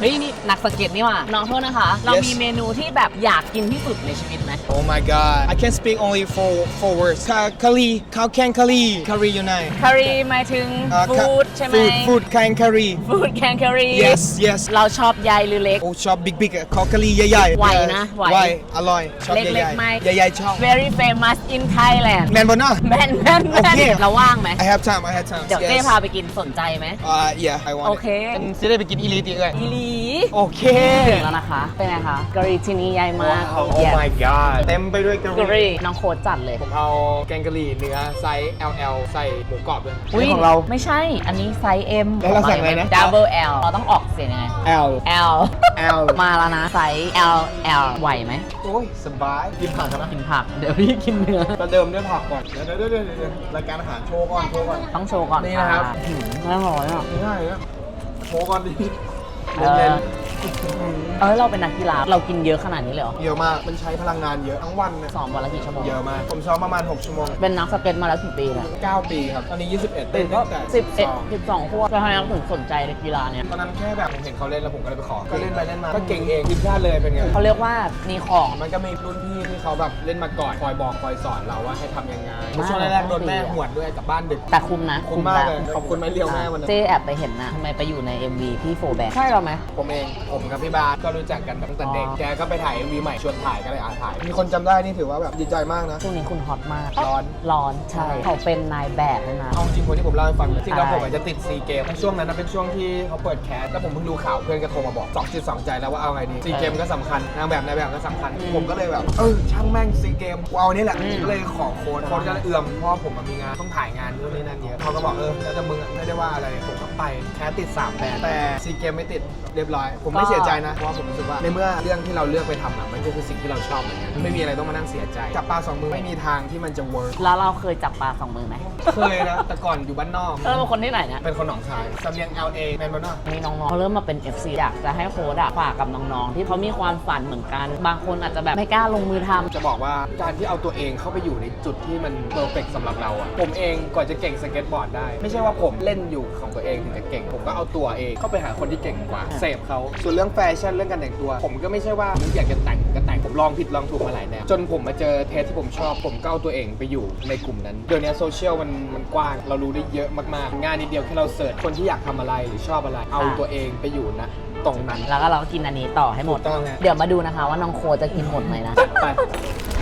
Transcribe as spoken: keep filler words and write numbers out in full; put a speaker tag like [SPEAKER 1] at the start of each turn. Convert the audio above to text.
[SPEAKER 1] ฮ้ยนี่นักสเก็ตนี่ว่ะน้องโทษนะคะเรามีเมนูที่แบบอยากกินที่สุดในชีวิตไหม
[SPEAKER 2] Oh my god I can speak only four four words คาคารีข้าวแกงคารีคารีอยู่ไหน
[SPEAKER 1] คารีหมายถึงฟู้ดใช่ไหม
[SPEAKER 2] ฟู้ดฟู้ดแกงคารี
[SPEAKER 1] ฟู้ดแกงคารี
[SPEAKER 2] yes yes
[SPEAKER 1] เราชอบใหญ่หรือเล็ก
[SPEAKER 2] โอ้ชอบบิ๊กบิ๊กขอคารีใหญ่ๆ
[SPEAKER 1] ไหวนะไหว
[SPEAKER 2] ไหวอร่อยชอบ
[SPEAKER 1] เล็
[SPEAKER 2] ใหญ่
[SPEAKER 1] กๆไหม
[SPEAKER 2] ๆใหญ่ๆชอบ
[SPEAKER 1] very famous in Thailand
[SPEAKER 2] แมนบอลน่ะ
[SPEAKER 1] แม่นแม่น
[SPEAKER 2] โอ
[SPEAKER 1] แม่น
[SPEAKER 2] เค
[SPEAKER 1] เราว่างไหม
[SPEAKER 2] I have time I have time
[SPEAKER 1] เดี๋ยวเต้พาไปกินสนใจไหม
[SPEAKER 2] uh yeah I want
[SPEAKER 1] โอเค
[SPEAKER 2] จะได้ไปกินอีลีตีเลย
[SPEAKER 1] อีหลี
[SPEAKER 2] โอเค
[SPEAKER 1] ถึงแล้วนะคะ เป็นไงคะกะหรี่ที่นี่ใหญ่มาก
[SPEAKER 2] Oh my god เต็มไปด้วยกะห
[SPEAKER 1] กะห
[SPEAKER 2] รี่
[SPEAKER 1] รี่น้องโค้ดจัดเลย
[SPEAKER 2] ผมเอาแกงกะหรี่เนื้อไซส์ แอล แอล ใส่หมูกรอบด้วย
[SPEAKER 1] อุ๊ย
[SPEAKER 2] นี่ของเรา
[SPEAKER 1] ไม่ใช่ อันนี้ไซส์ M
[SPEAKER 2] แล้วเราสั่งอะไรนะ
[SPEAKER 1] Double L เราต้องออกเสียงยังไง
[SPEAKER 2] L
[SPEAKER 1] L
[SPEAKER 2] L
[SPEAKER 1] มาแล้วนะไซส์ L L ไหวไหม
[SPEAKER 2] โอ้ยสบายกินผักกันนะ
[SPEAKER 1] กินผัก เดี๋ยวพี่กินเนื้อ
[SPEAKER 2] ประเดิมด้วยผักก่อนเดี๋ยวเดี๋ยวเดี๋ยวเดี๋ยวรายการอาหารโชว์ก่อนโชว์ก่อน
[SPEAKER 1] ต้องโชว์ก่อน
[SPEAKER 2] นี่นะครับ
[SPEAKER 1] หืมน่าร้อยอ่ะ
[SPEAKER 2] ง่ายนะโชว์ก่อนดิ
[SPEAKER 1] เออ
[SPEAKER 2] เล่น
[SPEAKER 1] เออเราเป็นนักกีฬาเรากินเยอะขนาดนี้เลยเหรอ
[SPEAKER 2] ๆเยอะมากมันใช้พลังงานเยอะทั้งวันเนี่ย
[SPEAKER 1] ซ้อมวันละกี่ชั่วโมง
[SPEAKER 2] เยอะมากผมซ้อมประมาณหกชั่วโมง
[SPEAKER 1] เป็นนักสเก็ตมาแล้วกี่ปีเนี่ย
[SPEAKER 2] เก้าปีครับตอนนี้ยี่สิบเอ็ด
[SPEAKER 1] เป็
[SPEAKER 2] เต้
[SPEAKER 1] น
[SPEAKER 2] น
[SPEAKER 1] ก็
[SPEAKER 2] ตั้งแต่
[SPEAKER 1] สิบเอ็ด
[SPEAKER 2] สอง
[SPEAKER 1] สิบสองขวบแล้วทำไมเราถึงสนใจในกีฬาเนี่ย
[SPEAKER 2] ตอนนั้นแค่แบบผมเห็นเขาเล่นแล้วผมก็เลยไปขอก็เล่นไปเล่นมาก็เก่งเองทีมชาติเลยเป็นไง
[SPEAKER 1] เขาเรียกว่ามีของ
[SPEAKER 2] มันก็มีรุ่นพี่ที่เขาแบบเล่นมาก่อนคอยบอกคอยสอนเราว่าให้ทำยังไง
[SPEAKER 1] มาก
[SPEAKER 2] ช่วงแรกๆโดนแม่หวดด้วยกลับบ้านดึก
[SPEAKER 1] แต่คุ้มนะ
[SPEAKER 2] คุ้มมากเลย
[SPEAKER 1] นะ
[SPEAKER 2] ขอบคุณไม้เรียวแม่วันนั้น
[SPEAKER 1] เจ๊แอบไปเห็นนะทำไมไปอยู่ใน เอ็ม วี พี่โฟแบงใช่เราไหม
[SPEAKER 2] ผมเองผมกับพี่บาสก็รู้จักกันตั้งแต่เด็ก
[SPEAKER 1] อ๋อ
[SPEAKER 2] แกก็ไปถ่าย เอ็ม วี ใหม่ชวนถ่ายก็เลยอาถ่าย มีคนจำได้นี่ถือว่าแบบดีใจมากนะ
[SPEAKER 1] ช่วงนี้คุณฮอตมาก
[SPEAKER 2] ร้อน
[SPEAKER 1] ร้อนใช่ เขาเป็นนายแบบด้วยนะ
[SPEAKER 2] เอาจริงคนที่ผมเล่าให้ฟังจริงแล้ว
[SPEAKER 1] ใช่
[SPEAKER 2] ผมอาจจะติดซีเกมช่วงนั้นนะเป็นช่วงที่เขาเปิดแคสแล้วผมเพิ่งดูข่าวเพื่อนก็โทรมาบอกสองจิตสองใจแล้วว่าเอาไงดีซีเกมก็สำคัญนางแบบนายแบบก็สำคัญ ผมก็เลยแบบเออช่างแม่งซีเกมกูเอาอันนี้แหละก็เลยขอโค้ดโค้ดก็เลยเอื้อมเพราะว่าผมมันมีงานต้องถ่ายงานนู่นนี่นั่นเยอะเขาก็บอกเออแล้วแต่มึงอะไม่ได้ว่าอะไรผมก็ไปแคสติดสามแบรนด์แต่ซีเกมไม่ติดเรียบร้อย ผมไม่เสียใจนะเพราะว่าผมรู้สึกว่าในเมื่อเรื่องที่เราเลือกไปทำอะมันก็คือสิ่งที่เราชอบเหมือนกันไม่มีอะไรต้องมานั่งเสียใจจับปลาสองมือไม่มีทางที่มันจะเวิร์ก
[SPEAKER 1] แล้วเราเคยจับปลาสองมือไหม
[SPEAKER 2] เคยนะแต่ก่อนอยู่บ้านนอก
[SPEAKER 1] เราเป็นคนที่ไหนเนี่ย
[SPEAKER 2] เป็นคนหนองคายสำเนียง แอล เอ แมนบอนอก
[SPEAKER 1] มีน้องๆเขาเริ่มมาเป็น เอฟ ซี อยากจะให้โค้ดอะฝากกับน้องๆ ที่เขามีความฝันเหมือนกัน บางคนอาจจะแบบไม่กล้าลงมือทำ
[SPEAKER 2] จะบอกว่าการที่เอาตัวเองเข้าไปอยู่ในจุดที่มันเพอร์เฟกสำหรับเราอะผมเองก่อนจะเก่งสเก็ตบอร์ดได้ ไม่ใช่ว่าผมเล่นอยู่ของตัวเองถึงจะเก่ง ผมก็เอาตัวเองเข้าไปหาคนที่เก่งกว่าเสพเขาส่วนเรื่องแฟชั่นเรื่องการแต่งตัว ผมก็ไม่ใช่ว่าอยากจะแต่งก็แต่งผมลองผิดลองถูกมาหลายแนวจนผมมาเจอเทสที่ผมชอบผมก็เอาตัวเองไปอยู่ในกลุ่มนั้นเดี๋ยวนี้โซเชียลมันมันกว้างเรารู้ได้เยอะมากๆงานนิดเดียวแค่เราเสิร์ชคนที่อยากทำอะไรหรือชอบอะไรเอาตัวเองไปอยู่นะตรงนั้น
[SPEAKER 1] แล้วก็เราก็กินอันนี้ต่อให้หมด
[SPEAKER 2] ถูกต้องฮะ
[SPEAKER 1] เดี๋ยวมาดูนะคะว่าน้องโค้ดจะกินหมดไหมนะ
[SPEAKER 2] ไป